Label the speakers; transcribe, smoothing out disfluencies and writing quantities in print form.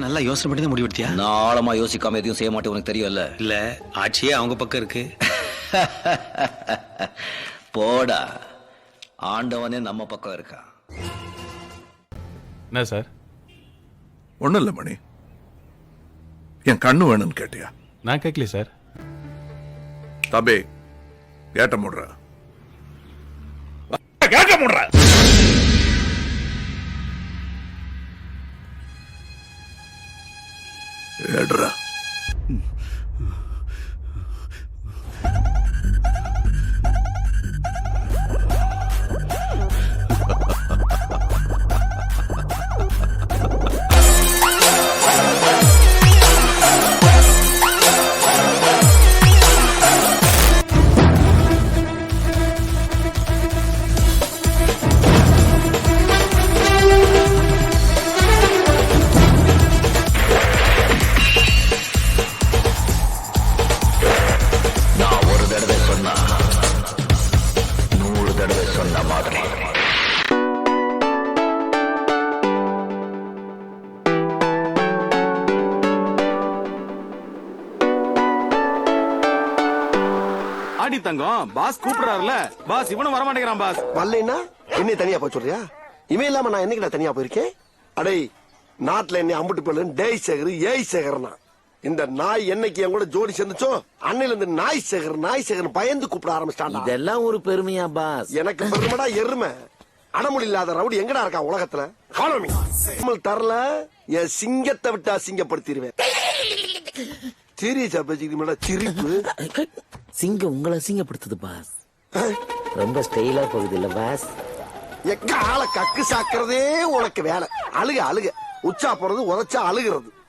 Speaker 1: நல்லா யோசனை பண்ணி தான் முடிவெடுத்தியா?
Speaker 2: நான் ஆழமா யோசிக்காம எதையும் செய்ய மாட்டேன், உனக்கு தெரியும்ல.
Speaker 1: இல்ல, ஆட்சியே அவங்க பக்கம் இருக்கு.
Speaker 2: போடா, ஆண்டவனே நம்ம பக்கம் இருக்கா.
Speaker 3: என்ன சார்?
Speaker 4: ஒண்ணும் இல்ல மணி, என் கண்ணு வேணும்னு கேட்டியா?
Speaker 3: நான் கேட்கல சார்.
Speaker 4: தபே, கேட்ட முடுற கேட்ட முடுற. ஏடுறா.
Speaker 2: நான் ஒரு தடவை சொன்னா 100 தடவை சொன்ன மாதிரி.
Speaker 5: ஆடி தங்கம் பாஸ் கூப்பிடுறாருல, பாஸ் இவனும் வர மாட்டேங்கிறான் பாஸ்.
Speaker 6: வரலைன்னா என்னை தனியா போய் சொல்றியா? இவன் இல்லாம நான் என்னைக்கு தனியா போயிருக்கேன்? அடே, நாட்டுல என்னை அம்புட்டு போயில டேய் சேகர் ஏய் சேகர்னா. இந்த நாய் என்னைக்கு என் கூட ஜோடி சேர்ந்துச்சோ அன்னையில இருந்து நாய் சேகர் பயந்து கூப்பிட ஆரம்பிச்சிட்டான்.
Speaker 7: இதெல்லாம் ஒரு பெருமையா பாஸ்?
Speaker 6: எனக்கு பெருமைடா எருமை. அடமொழி இல்லாத ரவுடி எங்கடா இருக்கா உலகத்துல? காலமி தரல, என் சிங்கத்தை விட்டு அசிங்கப்படுத்திடுவேன். சீரியஸா பேசிக்கிட்டு சிரிப்பு.
Speaker 7: சிங்கம் உங்களை அசிங்கப்படுத்துது பாஸ். ரொம்ப ஸ்டைலா போகுது இல்ல பாஸ்?
Speaker 6: எக்க ஆளை கக்கு சாக்குறதே உனக்கு வேலை. அழுக உச்சா போறது உதச்சா அழுகிறது.